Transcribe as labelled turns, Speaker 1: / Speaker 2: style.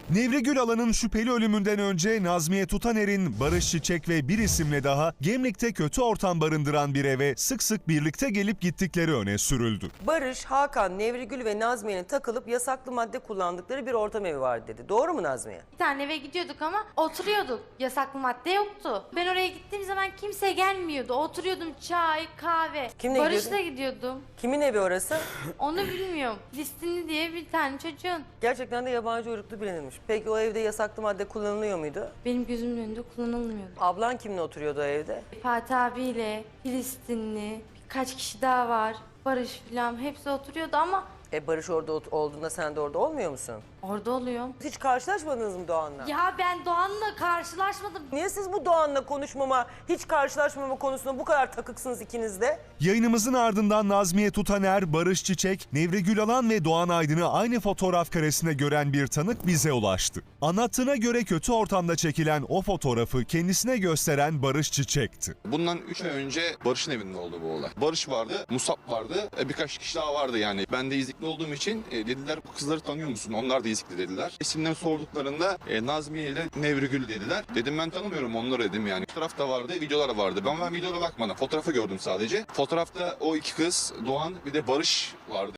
Speaker 1: Nevri Gülalan'ın şüpheli ölümünden önce Nazmiye Tutaner'in Barış Çiçek ve bir isimle daha Gemlik'te kötü ortam barındıran bir eve sık sık birlikte gelip gittikleri öne sürüldü.
Speaker 2: Barış, Hakan, Nevrigül ve Nazmiye'nin takılıp yasaklı madde kullandıkları bir ortam evi vardı dedi. Doğru mu Nazmiye?
Speaker 3: Bir tane eve gidiyorduk ama oturuyorduk. Yasaklı madde yoktu. Ben oraya gittiğim zaman kimse gelmiyordu. Oturuyordum, çay, kahve.
Speaker 2: Kimle
Speaker 3: Barış'la gidiyordum.
Speaker 2: Kimin evi orası?
Speaker 3: Onu bilmiyorum. Filistinli diye bir tane çocuğun.
Speaker 2: Gerçekten de yabancı uyruklu bilinirmiş. Peki o evde yasaklı madde kullanılıyor muydu?
Speaker 3: Benim gözümün önünde kullanılmıyordu.
Speaker 2: Ablan kimle oturuyordu o evde?
Speaker 3: Fatih abiyle, Filistinli, birkaç kişi daha var. Barış falan hepsi oturuyordu ama
Speaker 2: Barış orada olduğunda sen de orada olmuyor musun?
Speaker 3: orada oluyorum.
Speaker 2: Hiç karşılaşmadınız mı Doğan'la?
Speaker 3: Ya ben Doğan'la karşılaşmadım.
Speaker 2: Niye siz bu Doğan'la konuşmama, hiç karşılaşmama konusunda bu kadar takıksınız ikiniz de?
Speaker 1: Yayınımızın ardından Nazmiye Tutaner, Barış Çiçek, Nevri Gülalan ve Doğan Aydın'ı aynı fotoğraf karesinde gören bir tanık bize ulaştı. Anlattığına göre kötü ortamda çekilen o fotoğrafı kendisine gösteren Barış Çiçek'ti.
Speaker 4: Bundan 3 ay önce Barış'ın evinde oldu bu olay. Barış vardı, Musab vardı, birkaç kişi daha vardı yani. Ben de izlikli olduğum için dediler bu kızları tanıyor musun? Onlar da izlikli dediler. İsimlerini sorduklarında Nazmiye ile Nevrigül dediler. Dedim ben tanımıyorum onları dedim yani. Fotoğraf da vardı, videolar vardı. Ben videolara bakmadım. Fotoğrafı gördüm sadece. Fotoğrafta o iki kız, Doğan bir de Barış vardı.